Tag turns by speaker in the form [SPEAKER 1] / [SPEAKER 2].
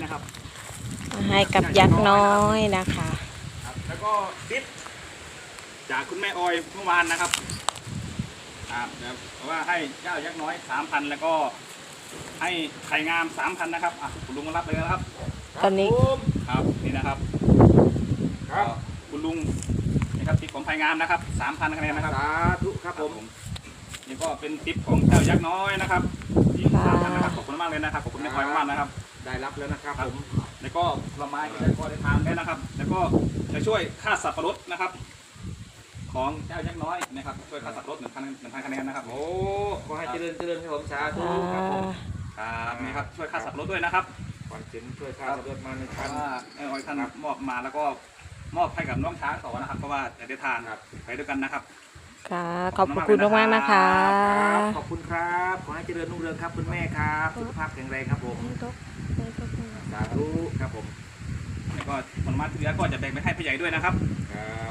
[SPEAKER 1] นะครับ
[SPEAKER 2] ให้กับยักษ์น้อยนะคะ
[SPEAKER 1] ครับแล้วก็ทิปจากคุณแม่ออยเมื่อวานนะครับเพราะว่าให้เจ้ายักษ์น้อย 3,000 แล้วก็ให้ไข่งาม 3,000 นะครับคุณลุงมารับเลยนะครับ
[SPEAKER 2] ตอนนี้
[SPEAKER 1] ครับนี่นะครับคุณลุงนะครับทิปของไข่งามนะครับ 3,000 คะแนนนะครับ
[SPEAKER 3] สาธุครับผม
[SPEAKER 1] นี่ก็เป็นทิปของเจ้ายักษ์น้อยนะครับที่3,000นะครับขอบคุณมากเลยนะครับขอบคุณแม่ออยมากนะครับ
[SPEAKER 3] ได้รับแล้วนะครับผม
[SPEAKER 1] แล้วก็ผลไม้ที่ได้พอได้ทานได้นะครับ แล้วก็จะช่วยค่าสับปะรดนะครับ ของเจ้ายักษ์น้อยนะครับช่วยค่าสับปะรด1,000 คะแนนนะครับ
[SPEAKER 3] โอ้ขอให้เจริญครับผมสาธุ
[SPEAKER 2] อ่า
[SPEAKER 3] ครับผม
[SPEAKER 1] ครับนี่ครับช่วยค่าสับปะรดด้วยนะครับ
[SPEAKER 3] ขวัญสินช่วยข้าสะดวกมาใน
[SPEAKER 1] เพ
[SPEAKER 3] ชั้น
[SPEAKER 1] ราะว่าแม่ออยท่านมอบมาแล้วก็มอบให้กับน้องช้างต่อนะครับ เพราะว่าจะได้ทานไปด้วยกันนะครับ
[SPEAKER 2] ค่ะขอบคุณมากๆนะคะ
[SPEAKER 3] ขอบคุณครับขอให้เจริญรุ่งเรืองครับคุณแม่ครับสุขภาพแข็งแรงครับผมสาธุครับผม
[SPEAKER 1] แล้วก็ผลไม้ที่เหลือก็จะแบ่งไปให้ผู้ใหญ่ด้วยนะครับ
[SPEAKER 3] ครับ